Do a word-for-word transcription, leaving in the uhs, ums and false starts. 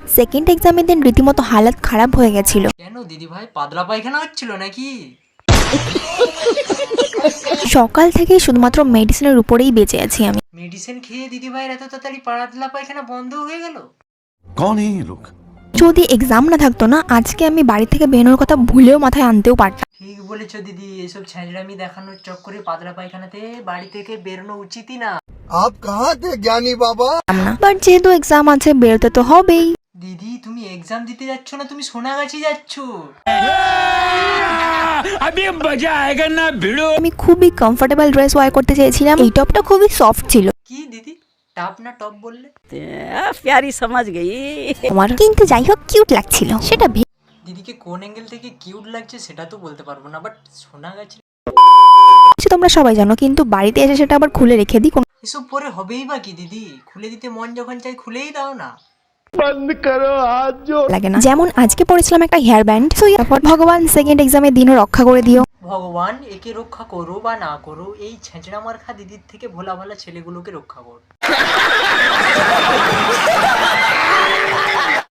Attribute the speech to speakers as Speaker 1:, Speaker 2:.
Speaker 1: Second এক্সামের দিন রীতিমতো হালাত খারাপ হয়ে গেছিল।
Speaker 2: কেন দিদি ভাই পাতলা পায়খানা হচ্ছিল নাকি?
Speaker 1: সকাল থেকেই শুধুমাত্র মেডিসিনের উপরেই বেঁচে আছি আমি।
Speaker 2: মেডিসিন খেয়ে দিদি ভাইয়ের এত তাড়াতাড়ি পাতলা পায়খানা বন্ধ হয়ে গেল?
Speaker 3: कौन है ये लोग?
Speaker 1: যদি এক্সাম না থাকতো না, আজকে আমি বাড়ি থেকে বেরোনোর কথা ভুলেও মাথায় আনতেও পারতাম
Speaker 2: ঠিক বলেছো দিদি, এসব ছ্যাঁচড়ামি দেখানোর চক্করে পাতলা পায়খানাতে বাড়ি থেকে বেরোনো উচিতই না।
Speaker 4: आप कहाँ थे ज्ञानी बाबा?
Speaker 1: না। বাট যেহেতু এক্সাম আছে, বেরোতে তো হবেই।
Speaker 2: দিদি তুমি এক্সাম দিতে যাচ্ছ না, তুমি সোনাগাছি যাচ্ছ।
Speaker 1: আমি খুবই কমফোর্টেবল ড্রেস ওয়ার করতে চেয়েছিলাম। এই টপটা খুবই সফট ছিল
Speaker 2: কি দিদি টাপ না টপ বললে?
Speaker 5: प्यारी समझ गई।
Speaker 1: আমার, কিন্তু যাই হোক কিউট লাগছিল সেটা ভেবে।
Speaker 2: দিদিকে কোন অ্যাঙ্গেল থেকে কিউট লাগছে সেটা তো বলতে পারবো না, বাট সোনাগাছি
Speaker 1: তোমরা সবাই জানো, কিন্তু বাড়িতে এসে সেটা আবার খুলে রেখে দিই, কোনো
Speaker 2: এসব পরে হবেই বা কি দিদি? খুলে দিতে মন যখন চাই খুলেই দাও না।
Speaker 1: লাগে না। যেমন আজকে পড়েছিলাম একটা হেয়ার ব্যান্ড, তো তারপর ভগবান সেকেন্ড এক্সামের দিনও রক্ষা করে দিও।
Speaker 2: ভগবান একে রক্ষা করো বা না করো, এই ছেঁচড়া মার্খা দিদির থেকে ভোলা ভালা ছেলেগুলোকে রক্ষা করো।